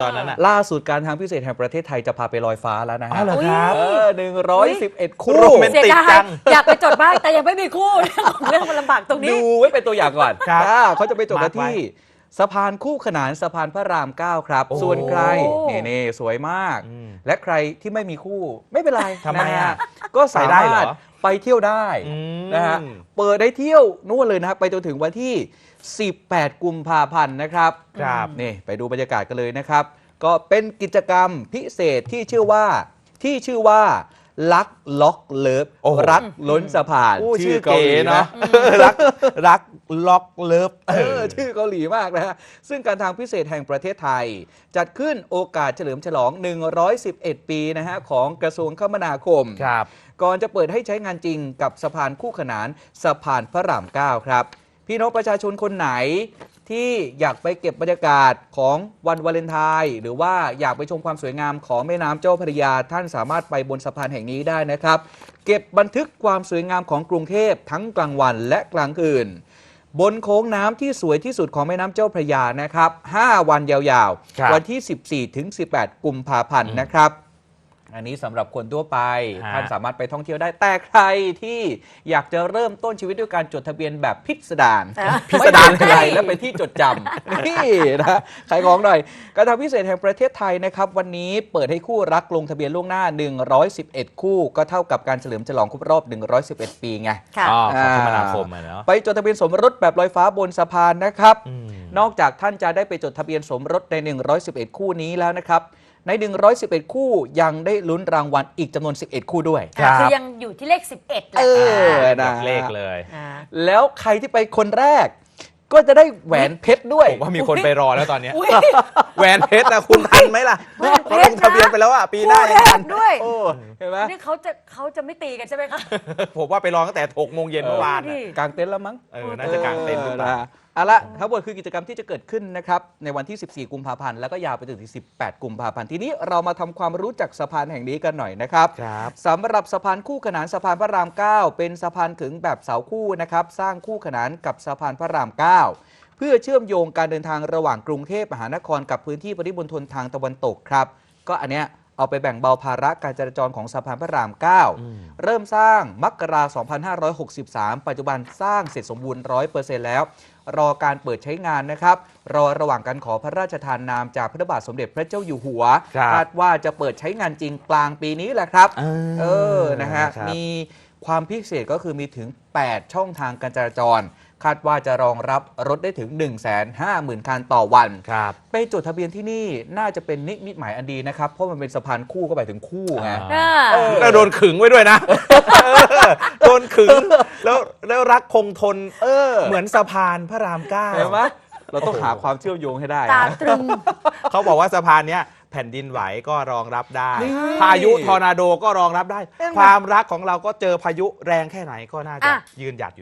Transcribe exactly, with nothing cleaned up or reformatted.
ตอนนั้นอ่ะล่าสุดการทางพิเศษแห่งประเทศไทยจะพาไปลอยฟ้าแล้วนะฮะอ๋อเหรอครับเออหนึ่งร้อยสิบเอ็ดคู่โรแมนติกจังอยากไปจดบ้างแต่ยังไม่มีคู่เรื่องของเรื่องมันลำบากตรงนี้ดูไว้เป็นตัวอย่างก่อนครับอ่าเขาจะไปจบกันมาร์คไว้ที่สะพานคู่ขนานสะพานพระรามเก้าครับโอ้ส่วนใครโอ้เน่ๆสวยมากอืมและใครที่ไม่มีคู่ไม่เป็นไรทำไมนะอ่ะฮะก็สาไปได้มาเหรรอถไปเที่ยวได้อืมนะฮะเปิดได้เที่ยวนู่นเลยนะครับไปจนถึงวันที่ สิบแปด กุมภาพันธ์นะครับครับนี่ไปดูบรรยากาศกันเลยนะครับ ก็เป็นกิจกรรมพิเศษที่ชื่อว่าที่ชื่อว่ารักล็อกเลิฟโอ้โหรักล้นสะพานโอ้ชื่อเกาเก๋หลีเนาะรักรักล็อกเลิฟเออชื่อเกาหลีมากนะฮะซึ่งการทางพิเศษแห่งประเทศไทย จัดขึ้นโอกาสเฉลิมฉลอง หนึ่งร้อยสิบเอ็ด ปีนะฮะของกระทรวงคมนาคมครับก่อนจะเปิดให้ใช้งานจริงกับสะพานคู่ขนานสะพานพระรามเก้าครับ พี่น้องประชาชนคนไหนที่อยากไปเก็บบรรยากาศของวันวาเลนไทน์หรือว่าอยากไปชมความสวยงามของแม่น้ำเจ้าพระยาท่านสามารถไปบนสะพานแห่งนี้ได้นะครับ เก็บบันทึกความสวยงามของกรุงเทพทั้งกลางวันและกลางคืน บนโค้งน้ำที่สวยที่สุดของแม่น้ำเจ้าพระยานะครับ ห้า วันยาวครับๆ วันที่ สิบสี่ถึงสิบแปด กุมภาพันธ์นะครับ อันนี้สำหรับคนทั่วไปฮะท่านสามารถไปท่องเที่ยวได้แต่ใครที่อยากจะเริ่มต้นชีวิตด้วยการจดทะเบียนแบบพิสดารอ่ะพิสดารอะไรและเป็นที่จดจำ นี่นะขายของหน่อยการทางพิเศษแห่งประเทศไทยนะครับ วันนี้เปิดให้คู่รักลงทะเบียนล่วงหน้า หนึ่งร้อยสิบเอ็ด คู่ ก็เท่ากับการเฉลิมฉลองครบรอบ หนึ่งร้อยสิบเอ็ด ปีไงค่ะอ๋อของคมนาคมอะเนาะไปจดทะเบียนสมรสแบบลอยฟ้าบนสะพานนะครับอืมนอกจากท่านจะได้ไปจดทะเบียนสมรสใน หนึ่งร้อยสิบเอ็ด คู่นี้แล้วนะครับ ใน หนึ่งร้อยสิบเอ็ด คู่ยังได้ลุ้นรางวัลอีกจำนวน สิบเอ็ด คู่ด้วยครับคือยังอยู่ที่เลขสิบเอ็ดแหละเอออ่านะเลขเลยอ่าแล้วใครที่ไปคนแรก ก็จะได้แหวนเพชรด้วยผมว่ามีคนไปรอแล้วตอนเนี้ยอุ๊ยแหวนเพชรนะคุณทันไหมล่ะแหวนเพชรนะเขาลงทะเบียนไปแล้วอ่ะปีหน้ายังทันด้วยโอ้เห็นไหมนี่เขาจะเขาจะไม่ตีกันใช่ไหมคะผมว่าไปรอตั้งแต่หกโมงเย็นเมื่อวานดิน่ะกางเต็นท์แล้วมั้งเออน่าจะกางเต็นท์หรือเปล่านะเอาละทั้งหมดคือกิจกรรมที่จะเกิดขึ้นนะครับในวันที่ สิบสี่ กุมภาพันธ์แล้วก็ยาวไปจนถึง สิบแปด กุมภาพันธ์ทีนี้เรามาทำความรู้จักสะพานแห่งนี้กันหน่อยนะครับครับสำหรับสะพานคู่ขนานสะพานพระรามเก้าเป็นสะพานขึงแบบเสาคู่นะครับสร้างคู่ขนานกับสะพานพระรามเก้าเพื่อเชื่อมโยงการเดินทางระหว่างกรุงเทพมหานครกับพื้นที่ปริมณฑลทางตะวันตกครับก็อันเนี้ยเอาไปแบ่งเบาภาระการจราจรของสะพานพระรามเก้าอืมเริ่มสร้างมกราคม สองพันห้าร้อยหกสิบสาม ปัจจุบันสร้างเสร็จสมบูรณ์ ร้อยเปอร์เซ็นต์ แล้ว รอการเปิดใช้งานนะครับ รอระหว่างการขอพระราชทานนามจากพระบาทสมเด็จพระเจ้าอยู่หัวครับคาดว่าจะเปิดใช้งานจริงกลางปีนี้แหละครับอ่าเออ นะฮะครับมีความพิเศษก็คือมีถึง แปด ช่องทางการจราจร คาดว่าจะรองรับรถได้ถึง หนึ่งแสนห้าหมื่น คันต่อวันครับไปจดทะเบียนที่นี่น่าจะเป็นนิมิตหมายอันดีนะครับ เพราะมันเป็นสะพานคู่ก็หมายถึงคู่ไงอ่าอ่าแล้วโดนขึงไว้ด้วยนะ โดนขึง แล้วแล้วรักคงทนเออเหมือนสะพานพระรามเก้าเห็นไหมเราต้องหาความเชื่อมโยงให้ได้ตานะตรึงเขาบอกว่าสะพานเนี้ยแผ่นดินไหวก็รองรับได้นี่พายุทอร์นาโดก็รองรับได้เห็นไหมความรักของเราก็เจอพายุแรงแค่ไหนก็น่าจะอ่ะยืนหยัดอยู่